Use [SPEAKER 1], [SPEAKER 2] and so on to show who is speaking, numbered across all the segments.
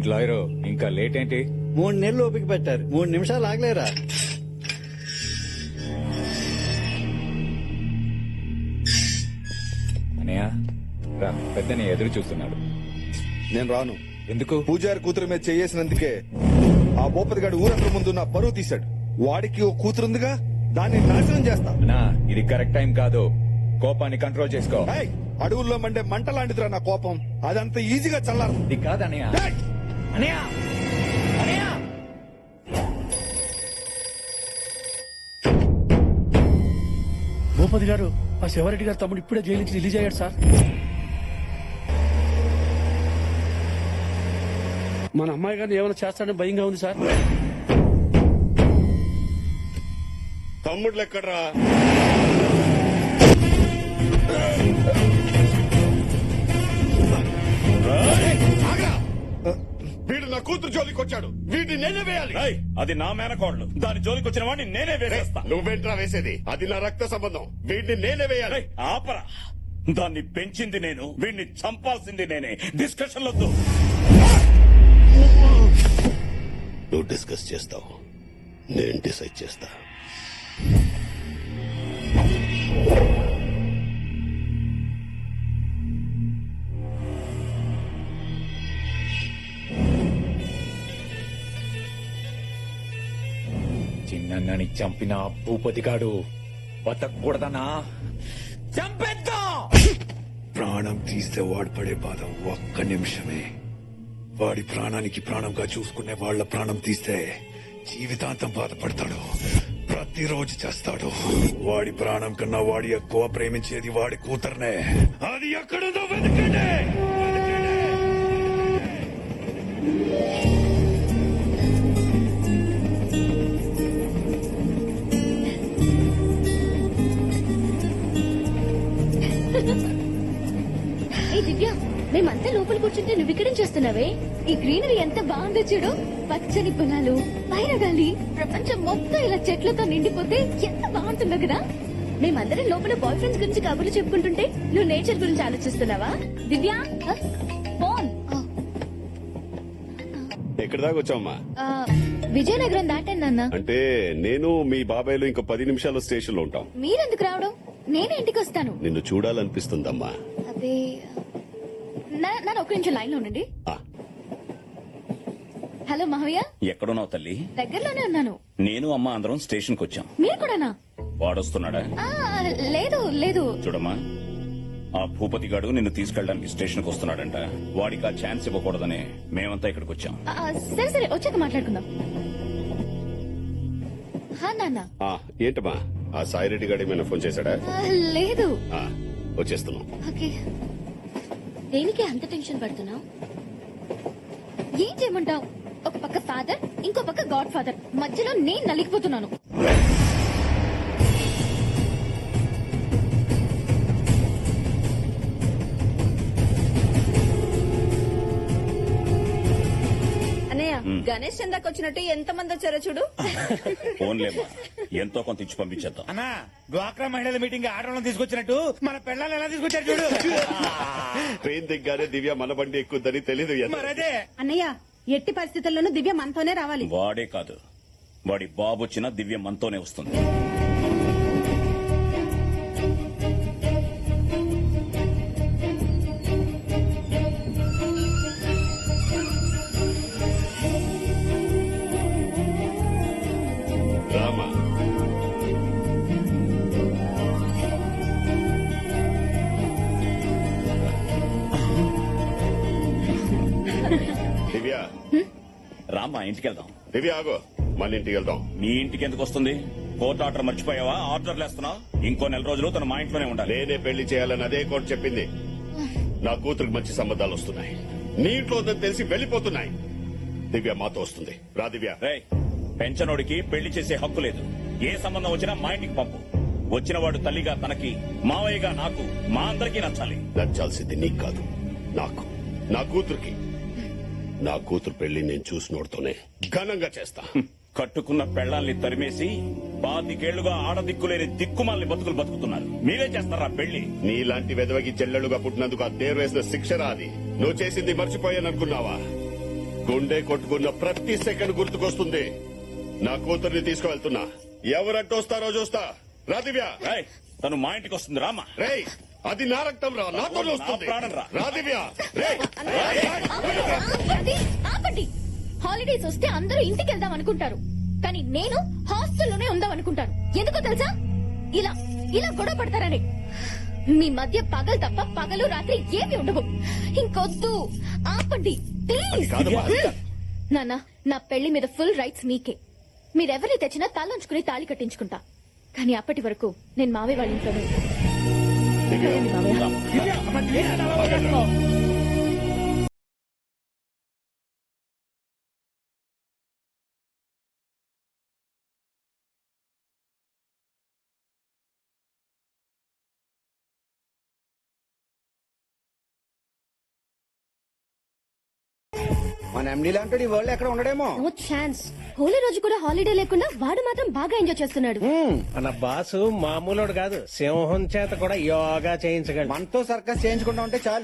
[SPEAKER 1] ఏంటి లాయరు ఇంకా లేట్ ఏంటి?
[SPEAKER 2] 3 నెలలు ఓపిక పెట్టారు, 3 నిమిషాలు ఆగలేరా?
[SPEAKER 1] అనయ్య రా, పెద్దని ఎదురు చూస్తున్నాడు.
[SPEAKER 3] నేను రాను.
[SPEAKER 1] ఎందుకు?
[SPEAKER 3] పూజారి కూతురు మీద చేసినందుకే ఆ భూపతి గారి ఊరందరి ముందు నా పరువు తీశాడు. వాడికి ఓ కూతురుందిగా, దాన్ని నాశనం చేస్తా.
[SPEAKER 1] అన్నా ఇది కరెక్ట్ టైం కాదు, కోపాన్ని కంట్రోల్ చేసుకో.
[SPEAKER 3] ఏయ్, అడవుల్లో మండే మంట లాంటిదిరా నా కోపం, అదంత ఈజీగా చల్లారు.
[SPEAKER 1] ఇది కాదు అనయ్య. అనయ్య అనయ్య
[SPEAKER 4] భూపతి గారు, ఆ శివారెడ్డి గారు తమ్ముడు ఇప్పుడే జైలు నుంచి రిలీజ్ అయ్యాడు సార్. మన అమ్మాయి గారిని ఏమైనా చేస్తాడని భయంగా ఉంది సార్.
[SPEAKER 5] తమ్ముళ్ళు ఎక్కడ్రా? వీడు నా కూతురు జోలికి వచ్చాడు, వీడిని నేనే వేయాలి.
[SPEAKER 6] అది నా మేనకోడలు, దాని జోలికి వచ్చిన వాడిని నేనే వేసేస్తా.
[SPEAKER 5] నువ్వేంట్రా వేసేది? అది నా రక్త సంబంధం, వీడిని నేనే వేయాలి.
[SPEAKER 6] ఆపరా, దాన్ని పెంచింది నేను, వీడిని చంపాల్సింది నేనే. డిస్కషన్ వద్దు.
[SPEAKER 5] నువ్వు డిస్కస్ చేస్తావు, నేను డిసైడ్ చేస్తా.
[SPEAKER 1] చిన్నని చంపిన ఆ భూపతిగాడు బతకూడదనా? చంపేద్దాం.
[SPEAKER 7] ప్రాణం తీస్తే వాడు పడే బాధ ఒక్క నిమిషమే. వాడి ప్రాణానికి ప్రాణంగా చూసుకునే వాళ్ళ ప్రాణం తీస్తే జీవితాంతం బాధపడతాడు, ప్రతిరోజు చేస్తాడు. వాడి ప్రాణం కన్నా వాడి ఎక్కువ ప్రేమించేది వాడి కూతుర్నే. అది ఎక్కడుందో వెతకండి.
[SPEAKER 8] ఏ దివ్య, మేమంతా లోపల కూర్చుంటే నువ్వు ఇక్కడేం చేస్తున్నావే? ఈ గ్రీనరీ ఎంత బాగుందో చూడు, పచ్చని పొలాలు, పైన గాలి, ప్రపంచం మొత్తం ఇలా చెట్లతో నిండిపోతే ఎంత బాగుంటుందో కదా. మేమందరం లోపల బాయ్ ఫ్రెండ్స్ గురించి కబుర్లు చెప్పుకుంటుంటే నువ్వు నేచర్ గురించి ఆలోచిస్తున్నావా? దివ్య ఫోన్.
[SPEAKER 5] ఎక్కడి దాకా వచ్చావమ్మా?
[SPEAKER 8] విజయనగరం దాటాను నాన్న.
[SPEAKER 5] అంటే నేను మీ బాబాయ్లు ఇంకో 10 నిమిషాల్లో స్టేషన్ లో ఉంటాం.
[SPEAKER 8] మీరెందుకు రావడం? నేనే ఇంటికి వస్తాను.
[SPEAKER 5] నిన్ను చూడాలనిపిస్తుందమ్మా.
[SPEAKER 8] అదే నన్ను ఒక్క నిమిషం లైన్ లో ఉండండి.
[SPEAKER 5] ఆ,
[SPEAKER 8] హలో మహయ్య.
[SPEAKER 6] ఎక్కడున్నావు తల్లి?
[SPEAKER 8] దగ్గరలోనే ఉన్నాను.
[SPEAKER 6] నేను అమ్మ అందరం స్టేషన్ కు వచ్చాం.
[SPEAKER 8] మీరు కూడానా?
[SPEAKER 6] వాడొస్తున్నాడా?
[SPEAKER 8] లేదు లేదు.
[SPEAKER 6] చూడమ్మా, ఆ భూపతి గాడు నిన్ను తీసుకెళ్ళడానికి స్టేషన్ కు వస్తున్నాడంట. వాడికి ఆ ఛాన్స్ ఇవ్వకూడదని మేమంతా ఇక్కడికి వచ్చాం.
[SPEAKER 8] సరే సరే, వచ్చాక మాట్లాడుకుందాం. నాన్న.
[SPEAKER 5] ఏంటమ్మా, ఆ సాయిరెడ్డి గారు ఏమైనా ఫోన్ చేశాడా?
[SPEAKER 8] లేదు.
[SPEAKER 5] వచ్చేస్తున్నాం.
[SPEAKER 8] ఓకే. దేనికి అంత టెన్షన్ పడుతున్నావు? ఏం చేయమంటావు? ఒక పక్క ఫాదర్, ఇంకో పక్క గాడ్ ఫాదర్, మధ్యలో నేను నలిగిపోతున్నాను.
[SPEAKER 9] అన్నయ్య, గణేష్ చందాకి వచ్చినట్టు ఎంత మంది వచ్చారో చూడు.
[SPEAKER 6] ఫోన్లేమ్మా, ఎంతో కొంత ఇచ్చి పంపించేద్దాం.
[SPEAKER 4] అన్నా, డ్వాక్రా మహిళల మీటింగ్ ఆడవాళ్ళని తీసుకొచ్చినట్టు మన పిల్లల్ని ఎలా తీసుకొచ్చారు చూడు.
[SPEAKER 5] ట్రైన్ దిగ్గానే దివ్య మన బండి ఎక్కుద్దని తెలీదు.
[SPEAKER 4] మరదే
[SPEAKER 9] అన్నయ్య, ఎట్టి పరిస్థితుల్లోనూ దివ్య మనతోనే రావాలి.
[SPEAKER 6] వాడే కాదు, వాడి బాబు వచ్చినా దివ్య మనతోనే వస్తుంది.
[SPEAKER 5] రామా, దివ్య
[SPEAKER 6] రామ్మా, ఇంటికి వెళ్దాం.
[SPEAKER 5] దివ్య ఆగో, మన ఇంటికి వెళ్దాం.
[SPEAKER 6] మీ ఇంటికి ఎందుకు వస్తుంది? కోర్టు ఆర్డర్ మర్చిపోయావా? ఆర్డర్లు వేస్తున్నావు. ఇంకో 4 రోజులు తను మా ఇంట్లోనే ఉండాలి.
[SPEAKER 5] నేనే పెళ్లి చేయాలని అదే కోర్టు చెప్పింది. నా కూతురికి మంచి సంబంధాలు వస్తున్నాయి, నీ ఇంట్లో ఉందని తెలిసి వెళ్లిపోతున్నాయి. దివ్య మాతో వస్తుంది. రా దివ్య.
[SPEAKER 6] రేయ్, పెంచనోడికి పెళ్లి చేసే హక్కు లేదు. ఏ సంబంధం వచ్చినా మా ఇంటికి పంపు. వచ్చినవాడు తల్లిగా తనకి, మావయ్యగా నాకు, మా అందరికీ నచ్చాలి.
[SPEAKER 5] నచ్చాల్సింది నీకు కాదు, నాకు, నా కూతురికి. నా కూతురు పెళ్లి నేను చూసినోడుతోనే ఘనంగా చేస్తా.
[SPEAKER 6] కట్టుకున్న పెళ్లాల్ని తరిమేసి 25 ఆడదిక్కులేని దిక్కుమాలని బతుకులు బతుకుతున్నారు. మీరే చేస్తారా పెళ్లి?
[SPEAKER 5] నీలాంటి వెదవకి చెల్లెలుగా పుట్టినందుకు ఆ దేరు వేసిన శిక్షరా అది. నువ్వు చేసింది మర్చిపోయాననుకున్నావా? గుండె కొట్టుకున్న ప్రతి సెకండ్ గుర్తుకొస్తుంది. నా కూతుర్ని తీసుకువెళ్తున్నా. ఎవరంటూ వస్తారో చూస్తా. రా దివ్య.
[SPEAKER 6] రేయ్, తను మా ఇంటికి వస్తుంది రామా.
[SPEAKER 5] రేయ్, అది నా రక్తం రా, నాతో వస్తుంది.
[SPEAKER 6] నా ప్రాణం రా.
[SPEAKER 5] రా దివ్య. రేయ్.
[SPEAKER 8] ఆపండి, ఆపండి. హాలిడేస్ వస్తే అందరూ ఇంటికి వెళ్దాం అనుకుంటారు, కానీ నేను హాస్టల్లోనే ఉందాం అనుకుంటాను. ఎందుకో తెలుసా? ఇలా ఇలా గొడవ పడతారని. మీ మధ్య పగలు తప్ప పగలు రాత్రి ఏమి ఉండవు. ఇంకొద్దు, ఆపండి ప్లీజ్.
[SPEAKER 5] కాదమ్మా.
[SPEAKER 8] నాన్న, నా పెళ్లి మీద ఫుల్ రైట్స్ మీకే. మీరెవరిని తెచ్చినా తలంచుకుని తాళి కట్టించుకుంటా. కానీ అప్పటి వరకు నేను మావయ్య వాళ్ళ ఇంట్లోనే ఉంటాను. సరేండి మావయ్య.
[SPEAKER 2] మన ఎండీ లాంటి వరల్డ్ ఎక్కడ ఉండడేమో.
[SPEAKER 8] No chance. హోలీ రోజు కూడా హాలిడే లేకుండా వాడు మాత్రం బాగా ఎంజాయ్ చేస్తున్నాడు.
[SPEAKER 1] మన బాసు మామూలుడు కాదు, సింహం చేత కూడా యోగా చేయించగలడు.
[SPEAKER 2] మనతో సర్కస్ చేయించుకుంటా ఉంటే చాలు.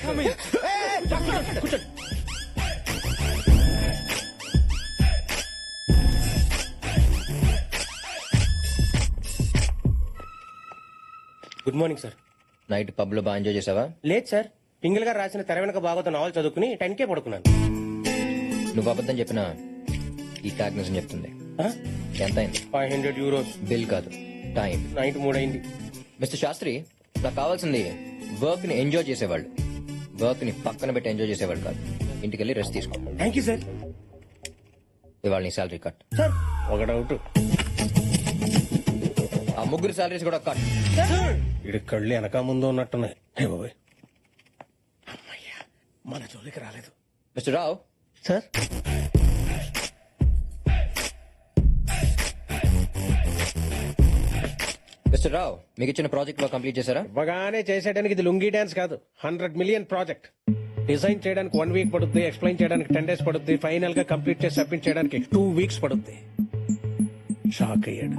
[SPEAKER 1] Good morning sir.
[SPEAKER 10] Night pub లో బాగా ఎంజాయ్ చేసావా?
[SPEAKER 1] లేదు సార్, పింగిల్ గారు రాసిన తెర వెనక బాగోతో నావల్ చదువుకుని 10K పడుకున్నాను.
[SPEAKER 10] నువ్వు అబద్ధం చెప్పినా ఈ ట్యాగ్ నిజం చెప్తుంది. ఎంత అయింది?
[SPEAKER 1] 500 euros.
[SPEAKER 10] బిల్ కాదు, టైం.
[SPEAKER 1] నైట్ 3 అయింది.
[SPEAKER 10] మిస్టర్ శాస్త్రి, నాకు కావాల్సింది వర్క్ ని ఎంజాయ్ చేసేవాళ్ళు, వర్క్ ని పక్కన పెట్టి ఎంజాయ్ చేసేవాళ్ళు కాదు. ఇంటికి వెళ్ళి రెస్ట్ తీసుకో.
[SPEAKER 1] Thank you sir.
[SPEAKER 10] ఇవాళ నీ శాలరీ కట్.
[SPEAKER 1] సార్ ఒక డౌట్,
[SPEAKER 10] ఆ ముగ్గురు శాలరీస్ కూడా కట్.
[SPEAKER 1] ఇడి కళ్ళు వెనక ముందు ఉన్నట్టున్నాయి. హే బాబోయ్, అమ్మయ్యా మన జోలికి రాలేదు.
[SPEAKER 10] Mister Rao.
[SPEAKER 1] Sir
[SPEAKER 10] mister Rao, మీకు ఇచ్చిన ప్రాజెక్ట్ లో కంప్లీట్ చేశారా?
[SPEAKER 1] ఇవ్వగానే చేసేయడానికి ఇది లుంగీ డాన్స్ కాదు, 100 million ప్రాజెక్ట్. డిజైన్ చేయడానికి 1 week పడుతుంది, ఎక్స్ప్లెయిన్ చేయడానికి 10 days పడుతుంది, ఫైనల్ గా కంప్లీట్ చేసి సబ్మిట్ చేయడానికి 2 weeks పడుతుంది. షాక్ అయ్యాడు.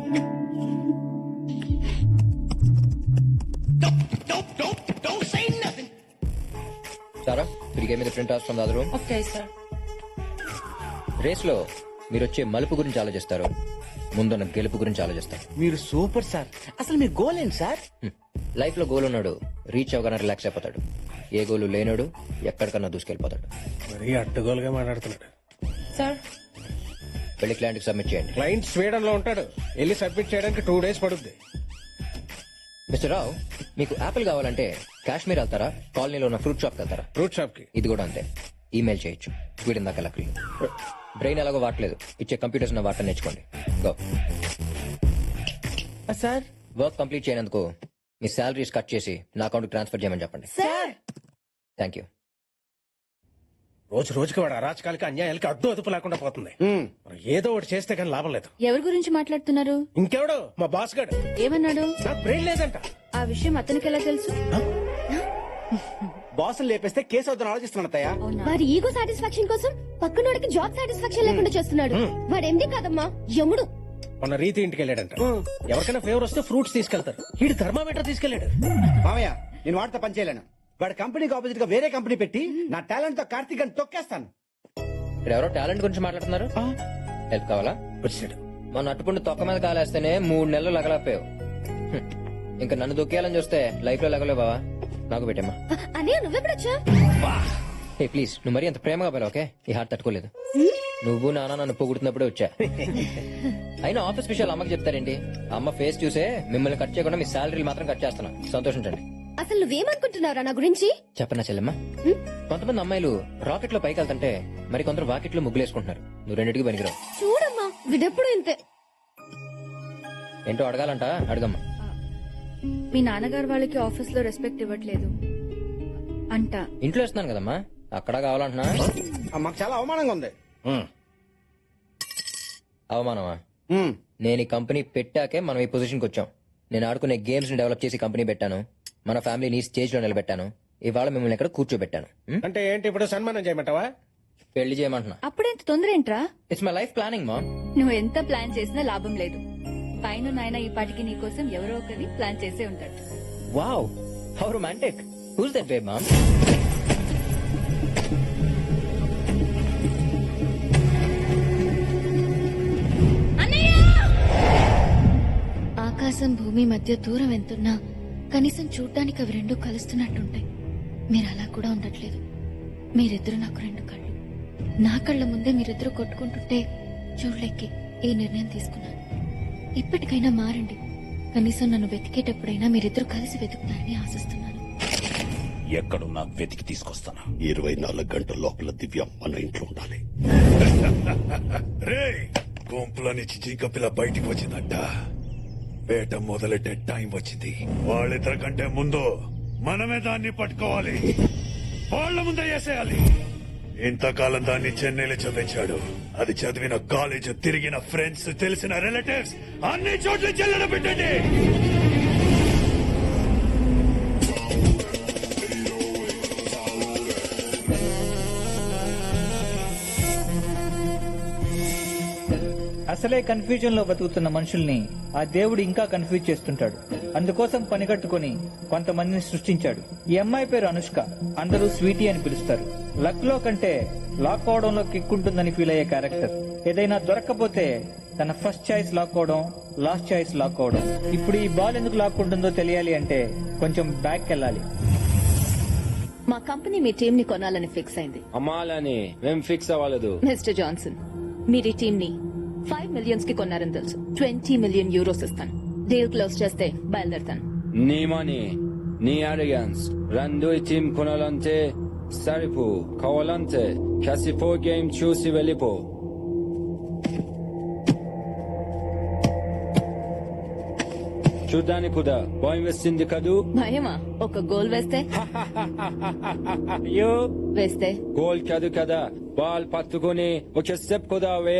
[SPEAKER 10] సారా, తిరిగే మీద print out from the other room.
[SPEAKER 9] Okay sir.
[SPEAKER 10] Race లో మీరు వచ్చే మలుపు గురించి ఆలోచిస్తారు, ముందున్న గెలుపు గురించి ఆలోచిస్తారు.
[SPEAKER 2] మీరు సూపర్ సార్. అసలు మీ గోల్ ఏంటి సార్?
[SPEAKER 10] లైఫ్ లో గోల్ ఉన్నాడు రీచ్ అవగానే రిలాక్స్ అయిపోతాడు. ఏ గోలు లేనోడు ఎక్కడికన్నా దూసుకెళ్లిపోతాడు.
[SPEAKER 1] మరీ అడ్డగోలుగా మాట్లాడుతున్నాడు.
[SPEAKER 9] సార్
[SPEAKER 10] వెళ్ళి క్లయింట్ కి సబ్మిట్ చేయండి.
[SPEAKER 1] క్లయింట్ స్వీడన్ లో ఉంటాడు, వెళ్ళి సబ్మిట్ చేయడానికి 2 days పడుతుంది.
[SPEAKER 10] మిస్టర్ రావు, మీకు యాపిల్ కావాలంటే కాశ్మీర్ వెళ్తారా, కాలనీలో ఉన్న ఫ్రూట్ షాప్ వెళ్తారా?
[SPEAKER 1] ఫ్రూట్ షాప్ కి.
[SPEAKER 10] ఇది కూడా అంతే, ఈమెయిల్ చేయొచ్చు. స్వీడన్ దాకా లక్లీ. బ్రెయిన్ ఎలాగో వాడలేదు, ఇచ్చే కంప్యూటర్స్ నా వాటర్ నేర్చుకోండి. గో.
[SPEAKER 2] సార్
[SPEAKER 10] వర్క్ కంప్లీట్ చేయనందుకు మీ శాలరీస్ కట్ చేసి నా అకౌంట్ ట్రాన్స్ఫర్ చేయమని చెప్పండి.
[SPEAKER 9] Sir
[SPEAKER 10] thank you.
[SPEAKER 1] రోజు రోజుకి వాడు అరాచకాలకి అన్యాయాలకి అడ్డు అదుపు లేకుండా పోతుంది. మరి ఏదో ఒకటి చేస్తే కానీ లాభం లేదు.
[SPEAKER 8] ఎవరి గురించి మాట్లాడుతున్నారు?
[SPEAKER 1] ఇంకెవడో మా బాస్ గాడు.
[SPEAKER 8] ఏమన్నాడు?
[SPEAKER 1] నాకు బ్రెయిన్ లేదంట.
[SPEAKER 8] ఆ విషయం అతనికి ఎలా తెలుసు?
[SPEAKER 2] బాసులు లేపేస్తే కేసు అవుతాను ఆలోచిస్తున్నాడు తయ్యా.
[SPEAKER 8] వారి ఈగో సాటిస్ఫాక్షన్ కోసం పక్కనోడికి జాబ్ సాటిస్ఫాక్షన్ లేకుండా చేస్తున్నాడు. వాడు ఎండి కాదమ్మా, యముడు.
[SPEAKER 1] మొన్న రీతి ఇంటికి వెళ్ళాడంట. ఎవరికైనా ఫేవర్ వస్తే ఫ్రూట్స్ తీసుకెళ్తారు, వీడు థర్మామీటర్ తీసుకెళ్లాడు.
[SPEAKER 2] మామయ్య, నేను వాడితో పని చేయలేను. వాడి కంపెనీకి ఆపోజిట్ గా వేరే కంపెనీ పెట్టి నా టాలెంట్ తో కార్తీక్ అని తొక్కేస్తాను.
[SPEAKER 10] ఇక్కడ ఎవరో టాలెంట్ గురించి మాట్లాడుతున్నారు. హెల్ప్ కావాలా?
[SPEAKER 1] వచ్చాడు.
[SPEAKER 10] మన అట్టుకుంటూ తొక్క మీద కాలేస్తేనే 3 నెలలు లగలపోయావు. ఇంకా నన్ను దొక్కేయాలని చూస్తే లైఫ్ లో లగలేవు బావా. నాకు పెట్టమ్మా.
[SPEAKER 8] అనే నువ్వెప్పుడొచ్చా?
[SPEAKER 10] ఏ ప్లీజ్, నువ్వు మరీ అంత ప్రేమగా పోయావు. ఓకే, ఈ హార్ట్ తట్టుకోలేదు. నువ్వు నాన్న నన్ను పొగుడుతున్నప్పుడే వచ్చా. అయినా ఆఫీస్ విషయాలు అమ్మకి చెప్తారేంటి? అమ్మ ఫేస్ చూసే మిమ్మల్ని కట్ చేయకుండా మీ శాలరీలు మాత్రం కట్ చేస్తున్నా. సంతోషించండి.
[SPEAKER 8] అసలు నువ్వేమనుకుంటున్నారా నా గురించి?
[SPEAKER 10] చెప్పనా చెల్లెమ్మా, కొంతమంది అమ్మాయిలు రాకెట్ లో పైకి వెళ్తుంటే మరి కొందరు వాకెట్ లో ముగ్గులేసుకుంటున్నారు. నువ్వు రెండింటికి పనికిరావు.
[SPEAKER 8] చూడమ్మా, విడెప్పుడు ఇంతే.
[SPEAKER 10] ఏంటో అడగాలంట, అడగమ్మా.
[SPEAKER 9] మీ నాన్నగారు వాళ్ళకి ఆఫీస్ లో రెస్పెక్ట్ ఇవ్వట్లేదు అంట.
[SPEAKER 10] ఇంట్లో ఇస్తున్నాను కదమ్మా, అక్కడ కావాలంటున్నా.
[SPEAKER 2] మాకు చాలా అవమానంగా ఉంది.
[SPEAKER 10] అవమానమా? నేను ఈ కంపెనీ పెట్టాకే మనం ఈ పొజిషన్కి వచ్చాం. నేను ఆడుకునే గేమ్స్ ని డెవలప్ చేసి కంపెనీ పెట్టాను. మన ఫ్యామిలీని ఈ స్టేజ్ లో నిలబెట్టాను. ఇవాళ మిమ్మల్ని ఇక్కడ కూర్చోబెట్టాను.
[SPEAKER 1] అంటే ఏంటి ఇప్పుడు సన్మానం చేయమంటావా?
[SPEAKER 10] పెళ్లి చేయమంటున్నా.
[SPEAKER 9] అప్పుడెంత తొందర ఏంట్రా?
[SPEAKER 10] ఇట్స్ మై లైఫ్ ప్లానింగ్ మా.
[SPEAKER 9] నువ్వు ఎంత ప్లాన్ చేసినా లాభం లేదు. పైన నాయన ఈ పాటికి నీ కోసం ఎవరో ఒకరిని ప్లాన్ చేసే ఉంటాడు.
[SPEAKER 10] Wow, how romantic. Who's that babe mom?
[SPEAKER 8] ఆకాశం భూమి మధ్య దూరం ఎంతున్నా కనీసం చూడ్డానికి అవి రెండు కలుస్తున్నట్టుంటాయి. మీరు అలా కూడా ఉండట్లేదు. మీరిద్దరు నాకు రెండు కళ్ళు. నా కళ్ళ ముందే మీరిద్దరు కొట్టుకుంటుంటే చూడలేకే ఈ నిర్ణయం తీసుకున్నాను. ఇప్పటికైనా మారండి. కనీసం నన్ను వెతికేటప్పుడైనా మీరిద్దరు కలిసి వెతుకుతారని ఆశిస్తున్నాను.
[SPEAKER 6] ఎక్కడున్నా వెతికి తీసుకొస్తాను.
[SPEAKER 5] 24 గంటల లోపల దివ్య మన ఇంట్లో ఉండాలి.
[SPEAKER 7] రే గుంపులో నుంచి జింక పిల్ల బయటికి వచ్చిందంట. వేట మొదలెట్టే టైం వచ్చింది. వాళ్ళిద్దరి కంటే ముందు మనమే దాన్ని పట్టుకోవాలి. వాళ్ళ ముందే వేసేయాలి. ఇంతకాలం దాన్ని చెన్నైలో చదివించాడు. అది చదివిన కాలేజ్, తిరిగిన ఫ్రెండ్స్, తెలిసిన రిలేటివ్స్ అన్ని చోట్ల చెల్లెడ పెట్టండి.
[SPEAKER 11] అసలే కన్ఫ్యూజన్ లో బతుకుతున్న మనుషుల్ని ఆ దేవుడు ఇంకా కన్ఫ్యూజ్ చేస్తుంటాడు. అందుకోసం పనిగట్టుకుని కొంతమందిని సృష్టించాడు. ఈ అమ్మాయి పేరు అనుష్క. అందరూ స్వీటీ అని పిలుస్తారు. లక్ లో కంటే లాక్ అవడంలో కిక్ ఉంటుందని ఫీల్ అయ్యే క్యారెక్టర్. ఏదైనా దొరక్కపోతే తన ఫస్ట్ చాయిస్ లాక్ అవడం, లాస్ట్ చాయిస్ లాక్ అవడం. ఇప్పుడు ఈ బాల్ ఎందుకు లాక్కుంటుందో తెలియాలి అంటే కొంచెం బ్యాక్ వెళ్ళాలి.
[SPEAKER 9] మా కంపెనీ మీ టీం ని కొనాలని ఫిక్స్ అయింది.
[SPEAKER 10] అమ్మాలని మేం ఫిక్స్ అవ్వలేదు.
[SPEAKER 9] మిస్టర్ జాన్సన్, మీరు ఈ టీం ని 5 మిలియన్స్ కి కొన్నారని తెలుసు. 20 మిలియన్ యూరోస్ ఇస్తాను. డీల్ క్లోజ్ చేస్తే బయలుదేరుతాను.
[SPEAKER 10] నీ మనీ, నీ అరిగన్స్ రెండు టీం కొనాలంటే సరిపో. కావాలంటే క్యాసిపో గేమ్ చూసి వెళ్ళిపో. చూడ్డానికి కూడా భయం వేస్తుంది కదూ?
[SPEAKER 9] భయమా? ఒక గోల్ వేస్తే?
[SPEAKER 10] అయ్యో
[SPEAKER 9] వేస్తే
[SPEAKER 10] గోల్ కాదు కదా, బాల్ పట్టుకుని ఒక స్టెప్ కూడా